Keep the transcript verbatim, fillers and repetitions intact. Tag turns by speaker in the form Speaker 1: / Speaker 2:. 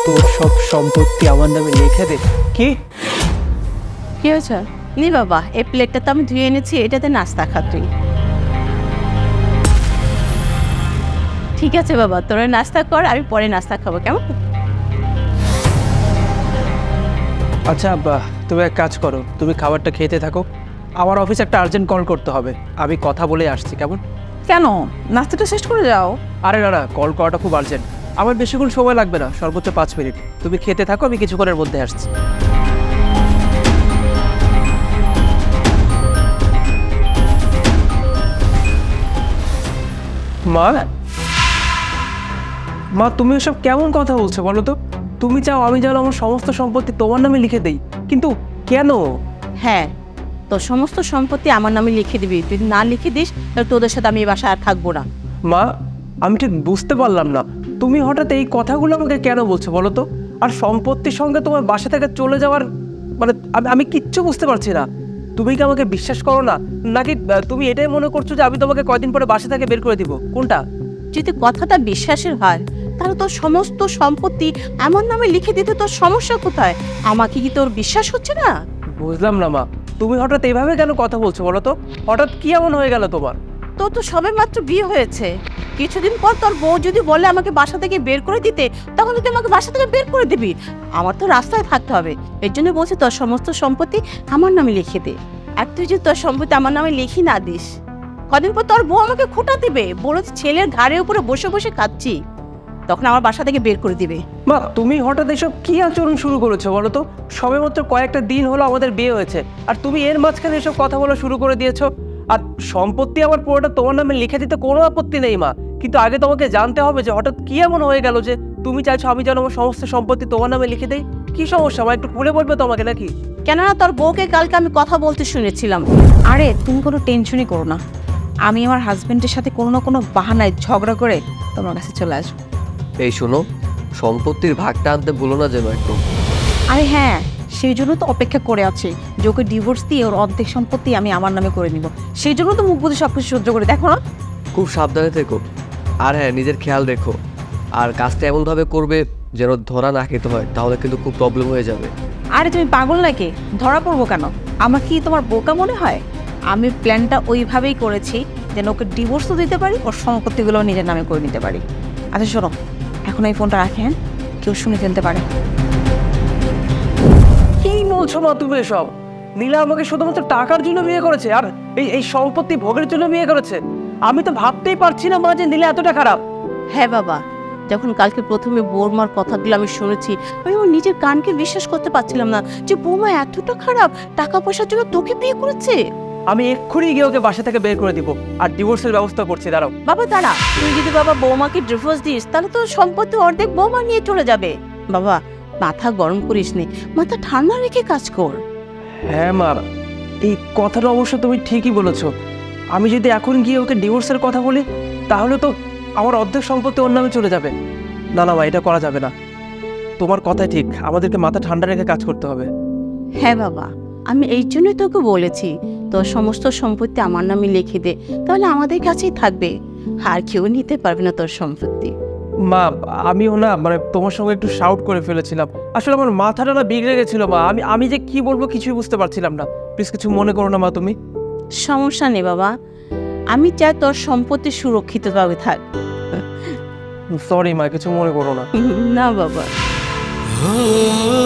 Speaker 1: তোর সব সম্পত্তি আমার নামে লিখে দে। কি
Speaker 2: কি হয়েছে? নি বাবা, এই প্লেটটা তো আমি ধুয়ে এনেছি, এটাতে নাস্তা খা তুই। ঠিক আছে বাবা, তোরা নাস্তা কর, আমি পরে নাস্তা খাবো, কেমন?
Speaker 1: আচ্ছা আব্বা, তুমি এক কাজ করো, তুমি খাবারটা খেতে থাকো। আমার অফিসে একটা আর্জেন্ট কল করতে হবে, আমি কথা বলে আসছি, কেমন?
Speaker 3: কেন, নাস্তাটা শেষ করে যাও।
Speaker 1: আরে না না, কল করাটা খুব আর্জেন্ট, আমার বেশিক্ষণ সময় লাগবে না, সর্বোচ্চ পাঁচ মিনিট। তুমি খেতে থাকো, আমি কিছুক্ষণের মধ্যে আসছি। মা মা তুমি এসব কেমন কথা বলছো বলো তো? তুমি চাও আমি যেন আমার সমস্ত সম্পত্তি তোমার নামে লিখে দেই, কিন্তু কেন?
Speaker 2: হ্যাঁ, তোর সমস্ত সম্পত্তি আমার নামে লিখে দিবি। তুই যদি না লিখে দিস তাহলে তোদের সাথে আমি এই বাসায় আর থাকবো না।
Speaker 1: মা আমি ঠিক বুঝতে পারলাম না, তুমি হঠাৎ এই কথাগুলো আমাকে কেন বলছো বলো তো? আর সম্পত্তির সঙ্গে তোমার বাসা থেকে চলে যাওয়ার মানে আমি আমি কিচ্ছু বুঝতে পারছি না। তুমি কি আমাকে বিশ্বাস করো না, নাকি আহ, তুমি এটাই মনে করছো যে আমি তোমাকে কয়দিন পরে বাসা থেকে বের করে দিব? কোনটা?
Speaker 2: যদি কথাটা বিশ্বাসের হয় তাহলে তোর সমস্ত সম্পত্তি আমার নামে লিখে দিতে তোর সমস্যা কোথায়? আমাকে কি তোর বিশ্বাস হচ্ছে না?
Speaker 1: বুঝলাম না মা, তুমি হঠাৎ এইভাবে কেন কথা বলছো বলো তো? হঠাৎ কি এমন হয়ে গেল তোমার?
Speaker 2: তোর তো সবে মাত্র বিয়ে হয়েছে, কিছুদিন পর তোর বউ যদি বলে আমাকে বাসা থেকে বের করে দিতে, তখন তুই আমাকে বাসা থেকে বের করে দিবি? আমার তো রাস্তায় থাকতে হবে, এর জন্য বলছি তোর সমস্ত সম্পত্তি আমার নামে লিখে দে। আর তুই যদি তোর সম্পত্তি আমার নামে লিখি না দিস, কদিন পর তোর বউ আমাকে খোঁটা দিবে, বলে ছেলের ঘাড়ের উপরে বসে বসে খাচ্ছি, তখন আমার বাসা থেকে বের করে দিবে।
Speaker 1: মা তুমি হঠাৎ এসব কি আচরণ শুরু করেছো বলো তো? সবেমাত্র কয়েকটা দিন হলো আমাদের বিয়ে হয়েছে, আর তুমি এর মাঝখানে এসব কথা বলা শুরু করে দিয়েছো। আর সম্পত্তি আমার পুরোটা তোমার নামে লিখে দিতে কোনো আপত্তি নেই মা, কিন্তু আগে তোমাকে জানতে হবে যে হঠাৎ কি এমন হয়ে গেল যে তুমি চাইছো আমি যেন আমার সমস্ত সম্পত্তি তোমার নামে লিখে দেই। কি সমস্যা মা, একটু খুলে বলবে তোমাকে নাকি?
Speaker 2: কেননা তোর বউকে কালকে আমি কথা বলতে শুনেছিলাম।
Speaker 3: আরে তুমি কোনো টেনশনই করো না, আমি আমার হাজবেন্ডের সাথে কোনো না কোনো বাহানায় ঝগড়া করে তোমার কাছে চলে আসবো।
Speaker 4: এই শোনো, সম্পত্তির ভাগটা আনতে ভুলো না যেন একদম।
Speaker 3: আরে হ্যাঁ, সেই জন্য তো অপেক্ষা করে আছি যে ওকে ডিভোর্স দিয়ে ওর অর্ধেক সম্পত্তি আমি আমার নামে করে নিব। সেই জন্য তো মুখ বুঝে সব কিছু সহ্য করে, দেখো না।
Speaker 4: খুব সাবধানে থেকো, আর হ্যাঁ নিজের খেয়াল রেখো, আর কাজটা এমনভাবে করবে যেন ধরা না খেতে হয়, তাহলে কিন্তু খুব প্রবলেম হয়ে যাবে।
Speaker 3: আরে তুমি পাগল নাকি, ধরা পড়বো কেন? আমার কি তোমার বোকা মনে হয়? আমি প্ল্যানটা ওইভাবেই করেছি যেন ওকে ডিভোর্সও দিতে পারি, ওর সম্পত্তিগুলো নিজের নামে করে নিতে পারি। আচ্ছা শোনো, এখন এই ফোনটা রাখেন, কেউ শুনে ফেলতে পারে।
Speaker 1: কি বলছো মা তুমি এসব? নীলা আমাকে শুধুমাত্র টাকার জন্য বিয়ে করেছে, আর এই এই সম্পত্তি ভোগের জন্য বিয়ে করেছে? আমি তো ভাবতেই পারছি না মা যে নীলা এতটা খারাপ।
Speaker 2: হ্যাঁ বাবা, যখন কালকে প্রথমে বৌমার কথাগুলো আমি শুনেছি, আমি আমার নিজের কানকে বিশ্বাস করতে পারছিলাম না যে বৌমা এতটা খারাপ, টাকা পয়সার জন্য তোকে বিয়ে করেছে।
Speaker 1: আমি এক্ষুনি গিয়ে ওকে বাসা থেকে বের করে দিব, আর ডিভোর্সের ব্যবস্থা করছি, দাঁড়াও।
Speaker 2: বাবা দাঁড়া, তুই যদি বাবা বৌমাকে ডিভোর্স দিস তাহলে তো সম্পত্তি অর্ধেক বৌমা নিয়ে চলে যাবে। বাবা মাথা গরম করিস নি, মাথা ঠান্ডা রেখে কাজ কর।
Speaker 1: হ্যাঁ মা, এই কথাটা অবশ্য তুমি ঠিকই বলেছো। আমি যদি এখন গিয়ে ওকে ডিভোর্সের কথা বলি তাহলে তো আমার অর্ধেক সম্পত্তি ওর নামে চলে যাবে। না না মা, এটা করা যাবে না। তোমার কথাই ঠিক, আমাদেরকে মাথা ঠান্ডা রেখে কাজ করতে হবে।
Speaker 2: হ্যাঁ বাবা, আমি এই জন্যই তোকে বলেছি তোর সমস্ত সম্পত্তি আমার নামে লিখে দে, তাহলে আমাদের কাছেই থাকবে, আর কেউ নিতে পারবে না তোর সম্পত্তি।
Speaker 1: মা আমিও না মানে তোমার সঙ্গে একটু শাউট করে ফেলেছিলাম, আসলে আমার মাথাটা না বিগড়ে গেছিল মা, আমি আমি যে কি বলবো কিছুই বুঝতে পারছিলাম না। প্লিজ কিছু মনে করো না মা তুমি।
Speaker 2: সমস্যা নেই বাবা, আমি চাই তোর সম্পত্তি সুরক্ষিতভাবে থাক।
Speaker 1: সরি মা, কিছু মনে করো না।
Speaker 2: না বাবা।